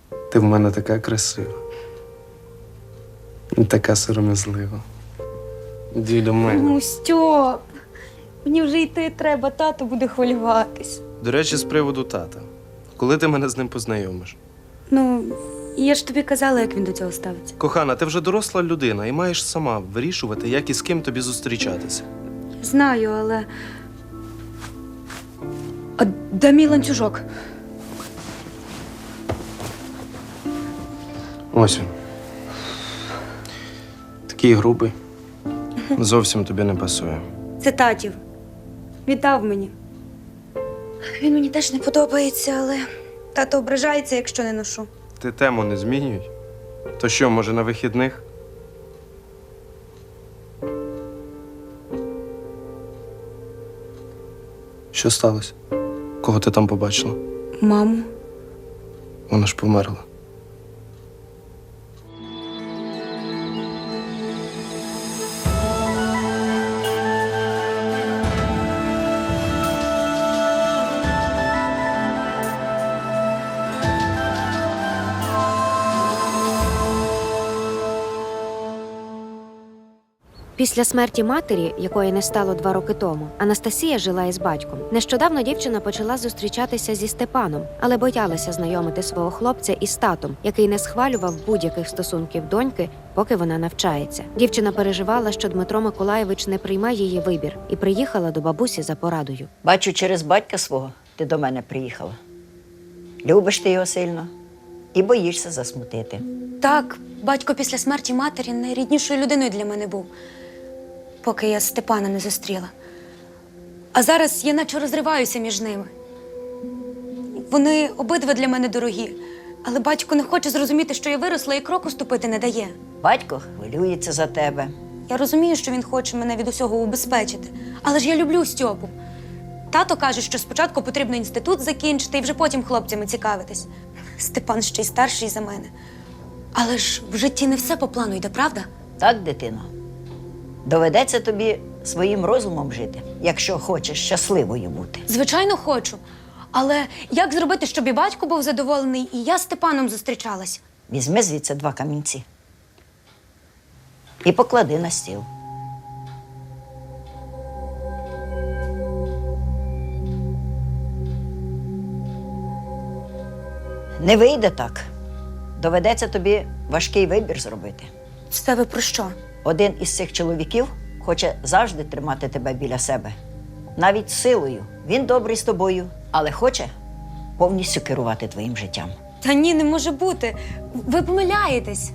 Ти в мене така красива. І така сором'язлива. Іди до мене. Ну, Стьоп, мені вже йти треба, тато буде хвилюватись. До речі, з приводу тата. Коли ти мене з ним познайомиш? Ну, я ж тобі казала, як він до цього ставиться. Кохана, ти вже доросла людина і маєш сама вирішувати, як і з ким тобі зустрічатися. Знаю, але. А де мій ланцюжок? Ось він. Такий грубий. Зовсім тобі не пасує. Це татів. Віддав мені. Він мені теж не подобається, але тато ображається, якщо не ношу. Ти тему не змінюй. То що, може, на вихідних? Що сталося? Кого ти там побачила? Маму. Вона ж померла. Після смерті матері, якої не стало 2 роки тому, Анастасія жила із батьком. Нещодавно дівчина почала зустрічатися зі Степаном, але боялася знайомити свого хлопця із татом, який не схвалював будь-яких стосунків доньки, поки вона навчається. Дівчина переживала, що Дмитро Миколайович не прийме її вибір, і приїхала до бабусі за порадою. Бачу, через батька свого ти до мене приїхала. Любиш ти його сильно і боїшся засмутити. Так, батько після смерті матері найріднішою людиною для мене був, поки я Степана не зустріла. А зараз я наче розриваюся між ними. Вони обидва для мене дорогі, але батько не хоче зрозуміти, що я виросла і кроку ступити не дає. Батько хвилюється за тебе. Я розумію, що він хоче мене від усього убезпечити, але ж я люблю Стьопу. Тато каже, що спочатку потрібно інститут закінчити і вже потім хлопцями цікавитись. Степан ще й старший за мене. Але ж в житті не все по плану йде, правда? Так, дитино? Доведеться тобі своїм розумом жити, якщо хочеш щасливою бути. Звичайно, хочу. Але як зробити, щоб і батько був задоволений, і я з Степаном зустрічалась? Візьми звідси 2 камінці і поклади на стіл. Не вийде так. Доведеться тобі важкий вибір зробити. Це ви про що? Один із цих чоловіків хоче завжди тримати тебе біля себе. Навіть силою. Він добрий з тобою, але хоче повністю керувати твоїм життям. Та ні, не може бути. Ви помиляєтесь.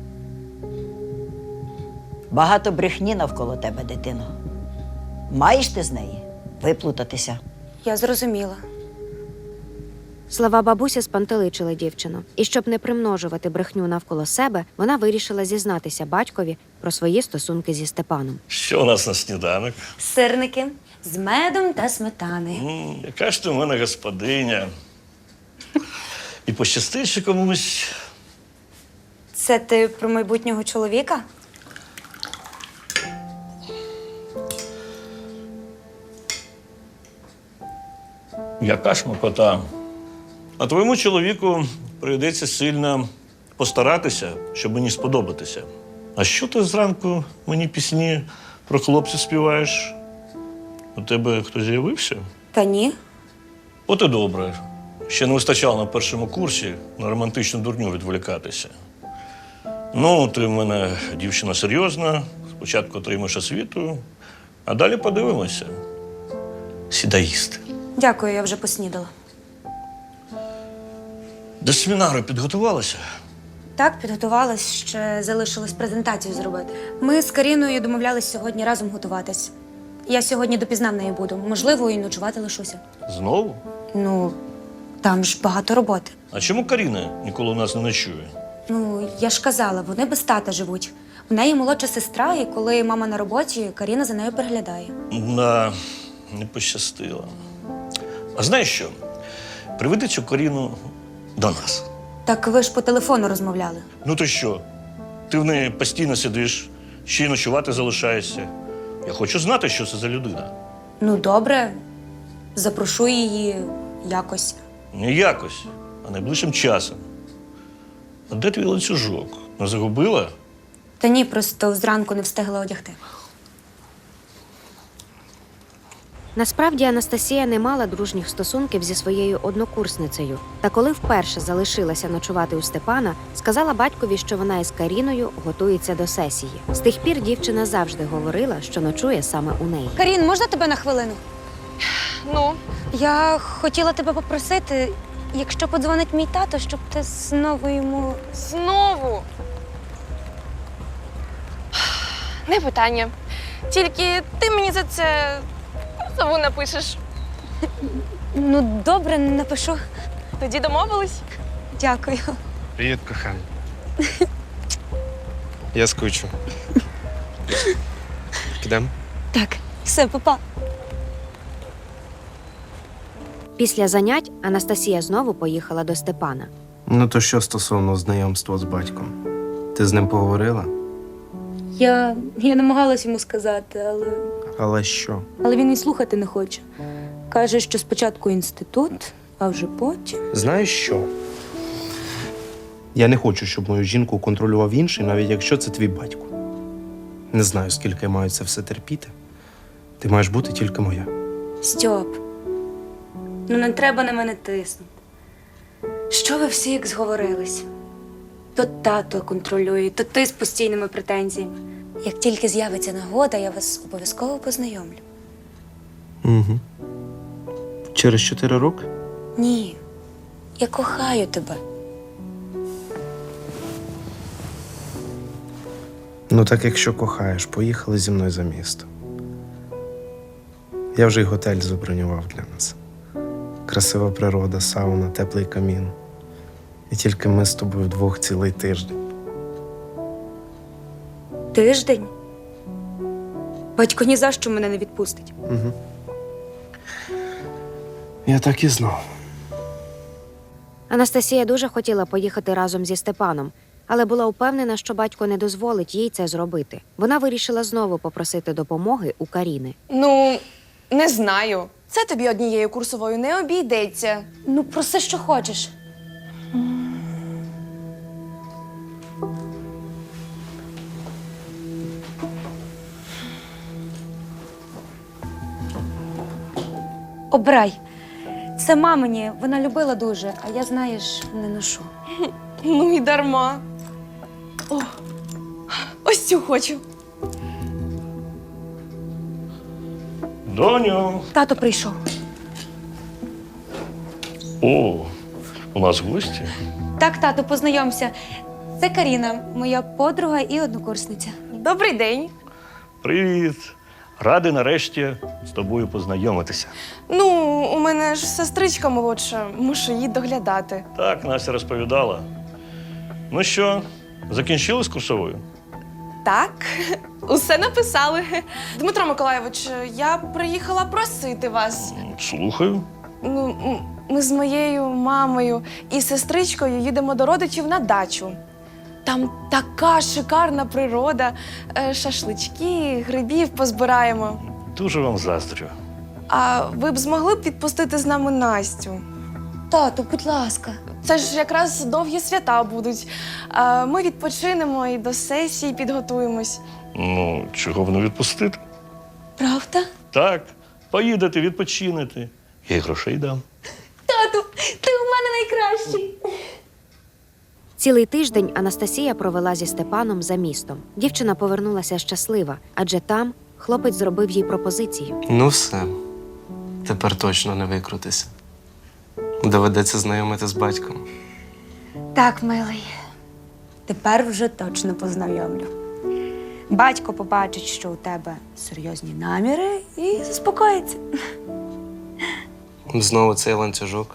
Багато брехні навколо тебе, дитино. Маєш ти з неї виплутатися. Я зрозуміла. Слова бабусі спантеличили дівчину. І щоб не примножувати брехню навколо себе, вона вирішила зізнатися батькові про свої стосунки зі Степаном. Що у нас на сніданок? Сирники з медом та сметани. Яка ж ти в мене господиня. І пощастить ще комусь. Це ти про майбутнього чоловіка? Яка ж макота. А твоєму чоловіку прийдеться сильно постаратися, щоб мені сподобатися. А що ти зранку мені пісні про хлопців співаєш? У тебе хтось з'явився? Та ні. От і добре. Ще не вистачало на першому курсі на романтичну дурню відволікатися. Ну, ти в мене дівчина серйозна, спочатку отримаєш освіту, а далі подивимося. Сідай їсти. Дякую, я вже поснідала. До семінару підготувалася? Так, підготувалась, ще залишилось презентацію зробити. Ми з Каріною домовлялись сьогодні разом готуватись. Я сьогодні допізна в неї буду. Можливо, і ночувати лишуся. Знову? Ну, там ж багато роботи. А чому Каріна ніколи у нас не ночує? Ну, я ж казала, вони без тата живуть. У неї молодша сестра, і коли мама на роботі, Каріна за нею переглядає. Да, не пощастило. А знаєш що? Приведи цю Каріну до нас. Так ви ж по телефону розмовляли. Ну то що? Ти в неї постійно сидиш, ще й ночувати залишаєшся. Я хочу знати, що це за людина. Ну, добре. Запрошу її якось. Не якось, а найближчим часом. А де твій ланцюжок? Не загубила? Та ні, просто зранку не встигла одягти. Насправді Анастасія не мала дружніх стосунків зі своєю однокурсницею. Та коли вперше залишилася ночувати у Степана, сказала батькові, що вона із Каріною готується до сесії. З тих пір дівчина завжди говорила, що ночує саме у неї. Карін, можна тебе на хвилину? Ну, Я хотіла тебе попросити, якщо подзвонить мій тато, щоб ти знову йому. знову. Не питання. Тільки ти мені за це позову напишеш. Ну, добре, напишу. Тоді домовились? Дякую. Привіт, коханий. Я скучу. Підемо? Так, все, папа. Після занять Анастасія знову поїхала до Степана. Ну то що стосовно знайомства з батьком? Ти з ним поговорила? Я намагалась йому сказати, Але що? але він і слухати не хоче. Каже, що спочатку інститут, а вже потім. Знаєш що? Я не хочу, щоб мою жінку контролював інший, навіть якщо це твій батько. Не знаю, скільки я маю це все терпіти. Ти маєш бути тільки моя. Стьоп, ну не треба на мене тиснути. Що ви всі як зговорились? То тато контролює, то ти з постійними претензіями. Як тільки з'явиться нагода, я вас обов'язково познайомлю. Угу. Через 4 роки? Ні, я кохаю тебе. Ну так якщо кохаєш, поїхали зі мною за місто. Я вже й готель забронював для нас. Красива природа, сауна, теплий камін. І тільки ми з тобою вдвох цілий тиждень. Тиждень? Батько ні за що мене не відпустить. Угу. Я так і знав. Анастасія дуже хотіла поїхати разом зі Степаном, але була впевнена, що батько не дозволить їй це зробити. Вона вирішила знову попросити допомоги у Каріни. Ну, не знаю. Це тобі однією курсовою не обійдеться. Ну, проси, що хочеш. Обирай. Це мамині, вона любила дуже, а я, знаєш, не ношу. Ну і дарма. О, ось цю хочу. Доню! Тато прийшов. О, у нас гості. Так, тато, познайомся. Це Каріна, моя подруга і однокурсниця. Добрий день. Привіт. Радий нарешті з тобою познайомитися. Ну, у мене ж сестричка молодша, мушу її доглядати. Так, Настя розповідала. Ну що, закінчили з курсовою? Так, усе написали. Дмитро Миколайович, я приїхала просити вас. Слухаю. Ну, ми з моєю мамою і сестричкою їдемо до родичів на дачу. Там така шикарна природа, шашлички, грибів позбираємо. Дуже вам заздрю. А ви б змогли б відпустити з нами Настю? Тато, будь ласка. Це ж якраз довгі свята будуть. Ми відпочинемо і до сесії підготуємось. Ну, чого б не відпустити? Правда? Так, поїдете, відпочинете. Я й грошей дам. Тату, ти у мене найкращий. Цілий тиждень Анастасія провела зі Степаном за містом. Дівчина повернулася щаслива, адже там хлопець зробив їй пропозицію. Ну все. Тепер точно не викрутися. Доведеться знайомити з батьком. Так, милий. Тепер вже точно познайомлю. Батько побачить, що у тебе серйозні наміри, і заспокоїться. Знову цей ланцюжок.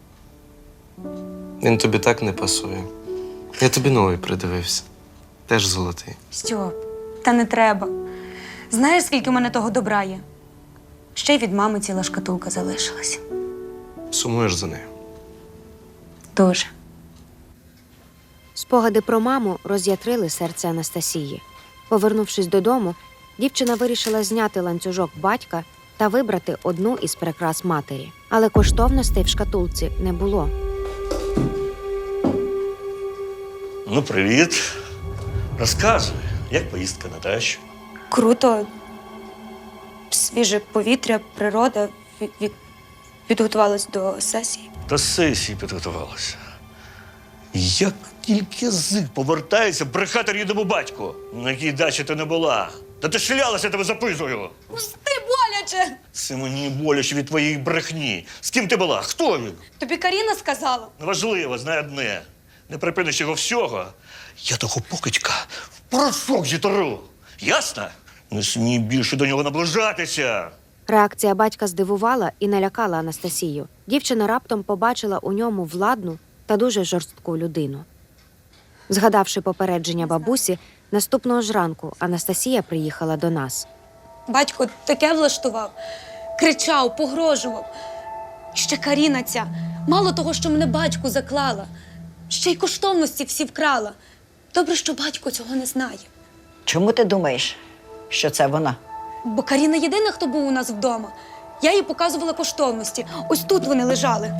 Він тобі так не пасує. Я тобі новий придивився. Теж золотий. Стьоп, та не треба. Знаєш, скільки в мене того добра є? Ще й від мами ціла шкатулка залишилась. Сумуєш за нею. Дуже. Спогади про маму роз'ятрили серце Анастасії. Повернувшись додому, дівчина вирішила зняти ланцюжок батька та вибрати одну із прикрас матері. Але коштовностей в шкатулці не було. Ну, привіт. Розказуй, як поїздка на дачу? Круто. Свіже повітря, природа. Підготувалась до сесії. До сесії підготувалася. Як тільки язик повертається брехати рідному батьку, на якій дачі ти не була. Та ти шлялася, я тебе записую. Пусти, боляче! Це мені боляче від твоєї брехні. З ким ти була? Хто він? Тобі Каріна сказала? Неважливо, знай одне. Не припиниш його всього. Я того покидька в порошок зітру. Ясно? Не смій більше до нього наближатися. Реакція батька здивувала і налякала Анастасію. Дівчина раптом побачила у ньому владну та дуже жорстку людину. Згадавши попередження бабусі, наступного ж ранку Анастасія приїхала до нас. Батько таке влаштував. Кричав, погрожував. Ще Каріна ця. Мало того, що мене батьку заклала. Ще й коштовності всі вкрала. Добре, що батько цього не знає. Чому ти думаєш, що це вона? Бо Каріна єдина, хто був у нас вдома. Я їй показувала коштовності. Ось тут вони лежали.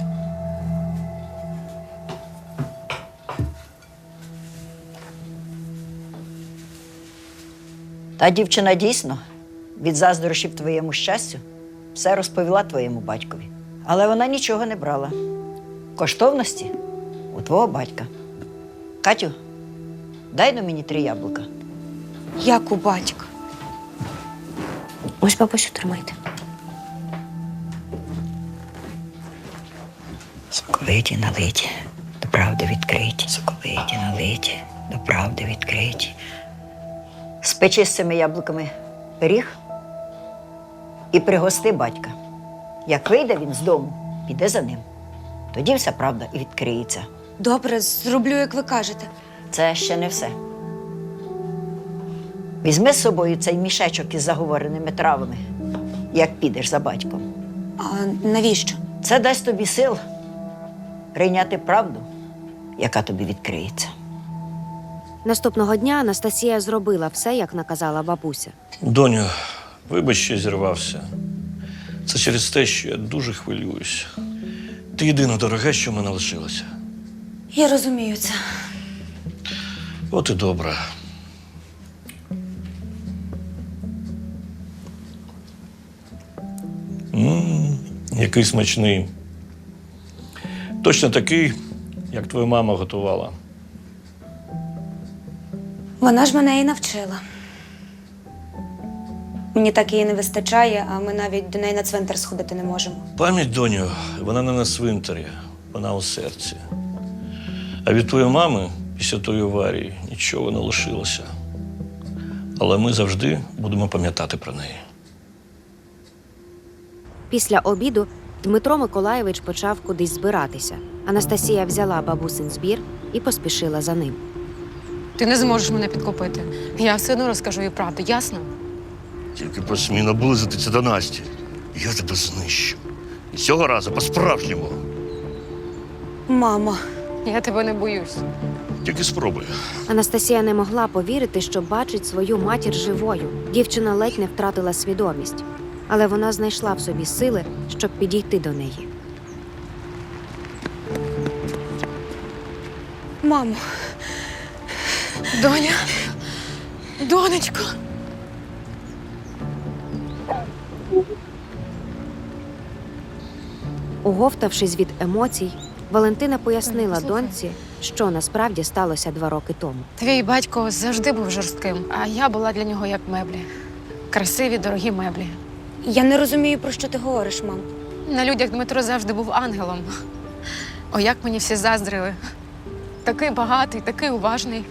Та дівчина дійсно від заздрощів твоєму щастю все розповіла твоєму батькові. Але вона нічого не брала. Коштовності у твого батька. Катю, дай на мені 3 яблука. Як у батька. Ось, бабусю, тримайте. Соковиті налиті, до правди відкриті. Соковиті налиті, до правди відкриті. Спечи з цими яблуками пиріг і пригости батька. Як вийде він з дому, піде за ним. Тоді вся правда і відкриється. Добре, зроблю, як ви кажете. Це ще не все. Візьми з собою цей мішечок із заговореними травами, як підеш за батьком. А навіщо? Це дасть тобі сил прийняти правду, яка тобі відкриється. Наступного дня Анастасія зробила все, як наказала бабуся. Доню, вибач, що зірвався. Це через те, що я дуже хвилююсь. Ти єдине дороге, що в мене лишилося. Я розумію це. От і добре. Який смачний. Точно такий, як твоя мама готувала. Вона ж мене і навчила. Мені так її не вистачає, а ми навіть до неї на цвинтар сходити не можемо. Пам'ять, доню, вона не на цвинтарі, вона у серці. А від твоєї мами після тої аварії нічого не лишилося. Але ми завжди будемо пам'ятати про неї. Після обіду Дмитро Миколайович почав кудись збиратися. Анастасія взяла бабусин збір і поспішила за ним. Ти не зможеш мене підкупити. Я все одно розкажу їй правду, ясно? Тільки посмій наблизитися до Насті. Я тебе знищу. І цього разу по-справжньому. Мама. Я тебе не боюсь. Тільки спробуй. Анастасія не могла повірити, що бачить свою матір живою. Дівчина ледь не втратила свідомість. Але вона знайшла в собі сили, щоб підійти до неї. Мамо. Доня, донечко. Оговтавшись від емоцій, Валентина пояснила доньці, що насправді сталося 2 роки тому. Твій батько завжди був жорстким, а я була для нього як меблі. Красиві, дорогі меблі. Я не розумію, про що ти говориш, мам. На людях Дмитро завжди був ангелом. О, як мені всі заздрили. Такий багатий, такий уважний.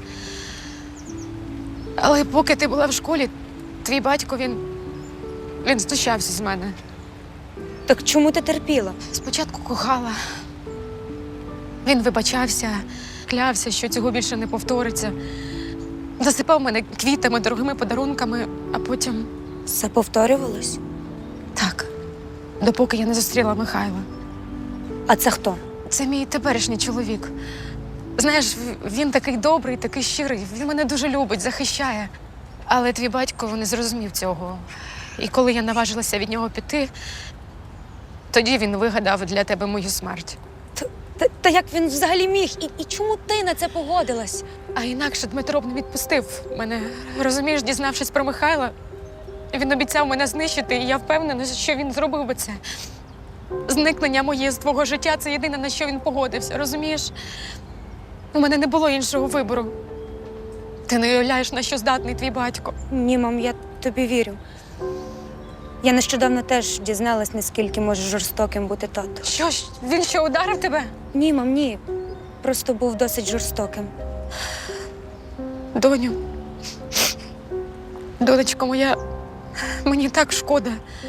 Але поки ти була в школі, твій батько, він знущався з мене. Так чому ти терпіла? Спочатку кохала. Він вибачався, клявся, що цього більше не повториться. Засипав мене квітами, дорогими подарунками, а потім Все повторювалось? так, допоки я не зустріла Михайла. А це хто? Це мій теперішній чоловік. Знаєш, він такий добрий, такий щирий, він мене дуже любить, захищає. Але твій батько не зрозумів цього. І коли я наважилася від нього піти, тоді він вигадав для тебе мою смерть. Та як він взагалі міг? І чому ти на це погодилась? А інакше Дмитро б не відпустив мене. Розумієш, дізнавшись про Михайла, він обіцяв мене знищити, і я впевнена, що він зробив би це. Зникнення моє з твого життя – це єдине, на що він погодився, розумієш? У мене не було іншого вибору. Ти не уявляєш, на що здатний твій батько. Ні, мам, я тобі вірю. Я нещодавно теж дізналась, наскільки може жорстоким бути тато. Що ж, він що, ударив тебе? Ні, мам, ні. Просто був досить жорстоким. Доню, донечко моя, мені так шкода.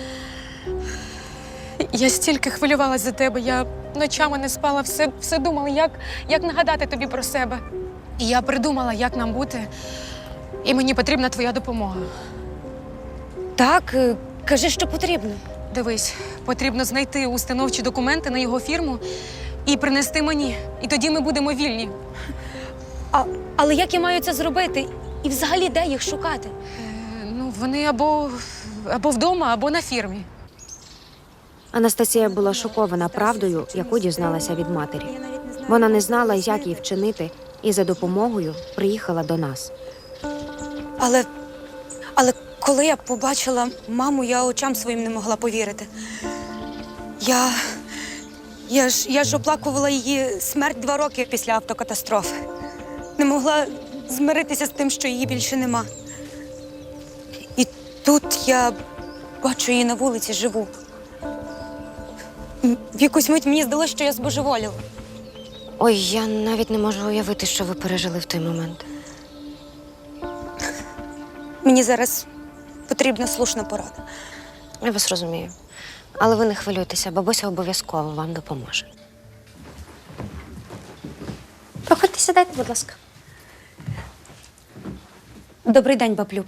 Я стільки хвилювалась за тебе, я ночами не спала, все думала, як нагадати тобі про себе. І я придумала, як нам бути, і мені потрібна твоя допомога. Так, кажи, що потрібно. Дивись, потрібно знайти установчі документи на його фірму і принести мені. І тоді ми будемо вільні. Але як я маю це зробити? І взагалі де їх шукати? Ну, вони або вдома, або на фірмі. Анастасія була шокована правдою, яку дізналася від матері. Вона не знала, як їй вчинити, і за допомогою приїхала до нас. Але коли я побачила маму, я очам своїм не могла повірити. Я ж оплакувала її смерть 2 роки після автокатастрофи. Не могла змиритися з тим, що її більше нема. І тут я бачу її на вулиці живу. В якусь мить мені здалося, що я збожеволіла. Ой, я навіть не можу уявити, що ви пережили в той момент. Мені зараз потрібна слушна порада. Я вас розумію. Але ви не хвилюйтеся, бабуся обов'язково вам допоможе. Проходьте, сідайте, будь ласка. Добрий день, баблюб.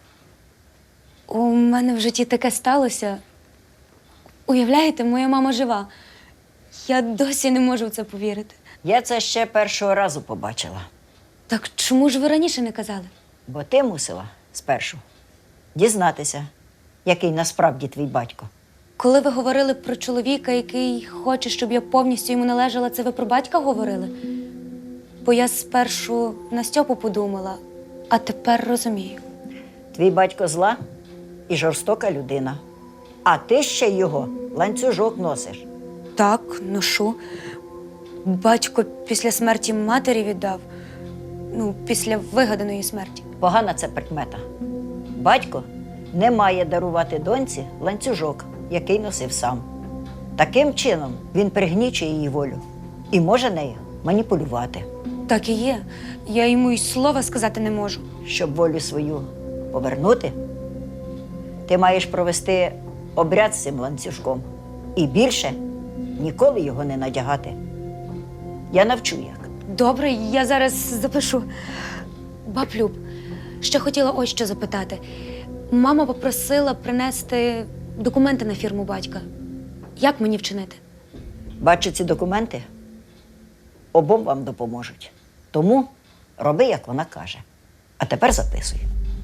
У мене в житті таке сталося. Уявляєте, моя мама жива. Я досі не можу в це повірити. Я це ще першого разу побачила, Так чому ж ви раніше не казали? бо ти мусила спершу дізнатися, який насправді твій батько. Коли ви говорили про чоловіка, який хоче, щоб я повністю йому належала, це ви про батька говорили? Бо я спершу на Стьопу подумала, а тепер розумію. Твій батько зла і жорстока людина, а ти ще його ланцюжок носиш. Так, ношу. Батько після смерті матері віддав. Ну, після вигаданої смерті. Погана це прикмета. Батько не має дарувати доньці ланцюжок, який носив сам. Таким чином він пригнічує її волю і може нею маніпулювати. Так і є. Я йому й слова сказати не можу. Щоб волю свою повернути, ти маєш провести обряд з цим ланцюжком і більше ніколи його не надягати. Я навчу як. Добре, я зараз запишу. Баблюб, ще хотіла ось що запитати. Мама попросила принести документи на фірму батька. Як мені вчинити? Бачу ці документи, обом вам допоможуть. Тому роби, як вона каже. А тепер записуй.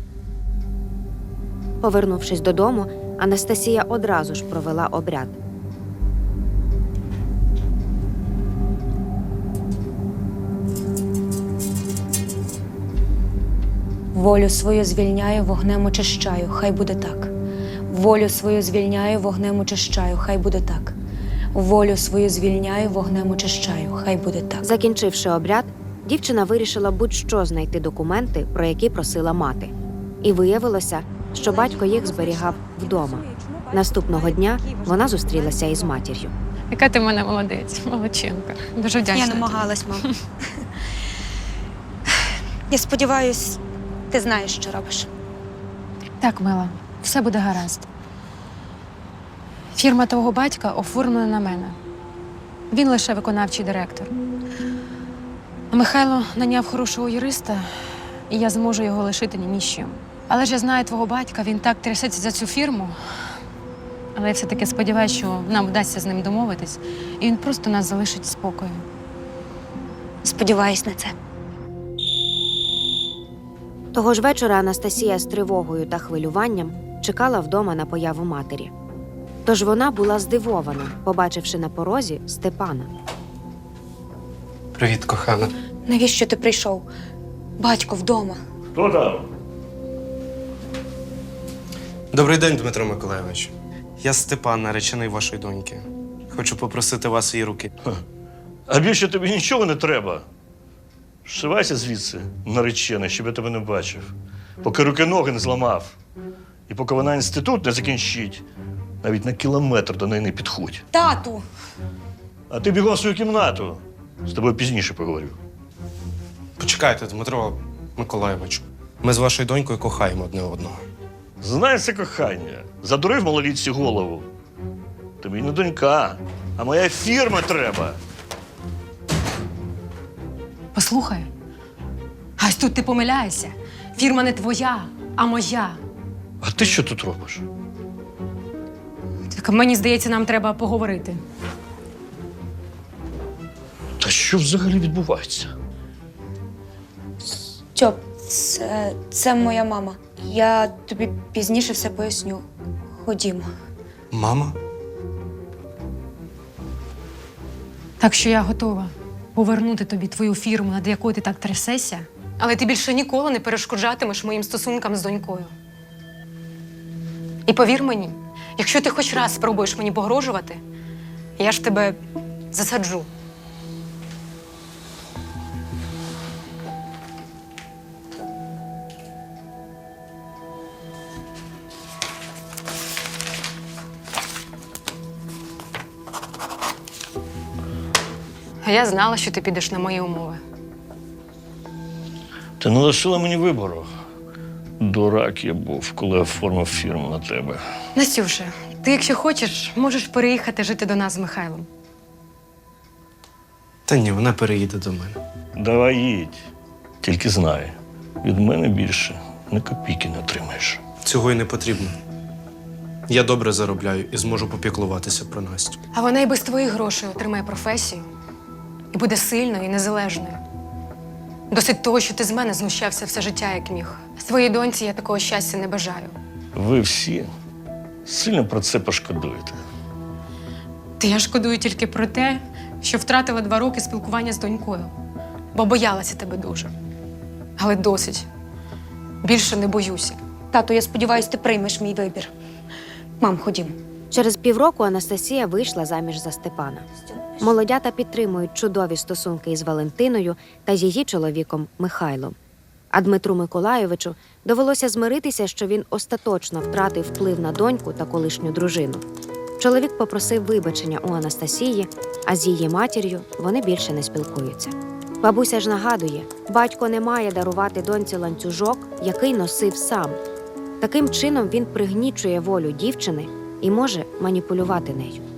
Повернувшись додому, Анастасія одразу ж провела обряд. Волю свою звільняю, вогнем очищаю, хай буде так. Волю свою звільняю, вогнем очищаю, хай буде так. Волю свою звільняю, вогнем очищаю, хай буде так. Закінчивши обряд, дівчина вирішила будь-що знайти документи, про які просила мати. І виявилося, що батько їх зберігав вдома. Наступного дня вона зустрілася із матір'ю. Яка ти в мене молодець, молодчинка. Дуже вдячна. Я намагалась, мам. Я сподіваюсь, ти знаєш, що робиш. Так, мила, все буде гаразд. Фірма твого батька оформлена на мене. Він лише виконавчий директор. А Михайло наняв хорошого юриста, і я зможу його лишити ні з чим. Але ж я знаю твого батька, він так трясеться за цю фірму. Але я все-таки сподіваюся, що нам вдасться з ним домовитись, і він просто нас залишить в спокою. Сподіваюсь на це. Того ж вечора Анастасія з тривогою та хвилюванням чекала вдома на появу матері. Тож вона була здивована, побачивши на порозі Степана. Привіт, кохана. Навіщо ти прийшов? Батько вдома. Хто там? Добрий день, Дмитро Миколайович. Я Степан, наречений вашої доньки. Хочу попросити вас її руки. А більше тобі нічого не треба. Шивайся звідси, наречений, щоб я тебе не бачив. Поки руки-ноги не зламав. І поки вона інститут не закінчить, навіть на кілометр до неї не підходь. Тату! А ти бігом в свою кімнату. З тобою пізніше поговорю. Почекайте, Дмитро Миколайович. Ми з вашою донькою кохаємо одне одного. Знаєш, це кохання. Задурив малолітці голову. Тобі не донька, а моя фірма треба. Послухай, ась тут ти помиляєшся. Фірма не твоя, а моя. А ти що тут робиш? Так мені здається, нам треба поговорити. Та що взагалі відбувається? Стьоп, це моя мама. Я тобі пізніше все поясню. Ходімо. Мама? Так що я готова повернути тобі твою фірму, над якою ти так трясешся, але ти більше ніколи не перешкоджатимеш моїм стосункам з донькою. І повір мені, якщо ти хоч раз спробуєш мені погрожувати, я ж тебе засаджу. А я знала, що ти підеш на мої умови. Ти не лишила мені вибору. Дурак я був, коли оформив фірму на тебе. Настюша, ти, якщо хочеш, можеш переїхати жити до нас з Михайлом. Та ні, вона переїде до мене. Давай їдь. Тільки знай, від мене більше ні копійки не отримаєш. Цього й не потрібно. Я добре заробляю і зможу попіклуватися про Настю. А вона і без твоїх грошей отримає професію і буде сильною і незалежною. Досить того, що ти з мене знущався все життя, як міг. Своїй доньці я такого щастя не бажаю. Ви всі сильно про це пошкодуєте. Та я шкодую тільки про те, що втратила 2 роки спілкування з донькою, бо боялася тебе дуже. Але досить. Більше не боюся. Тату, я сподіваюся, ти приймеш мій вибір. Мам, ходімо. Через півроку Анастасія вийшла заміж за Степана. Молодята підтримують чудові стосунки із Валентиною та її чоловіком Михайлом. А Дмитру Миколайовичу довелося змиритися, що він остаточно втратив вплив на доньку та колишню дружину. Чоловік попросив вибачення у Анастасії, а з її матір'ю вони більше не спілкуються. Бабуся ж нагадує, батько не має дарувати доньці ланцюжок, який носив сам. Таким чином він пригнічує волю дівчини і може маніпулювати нею.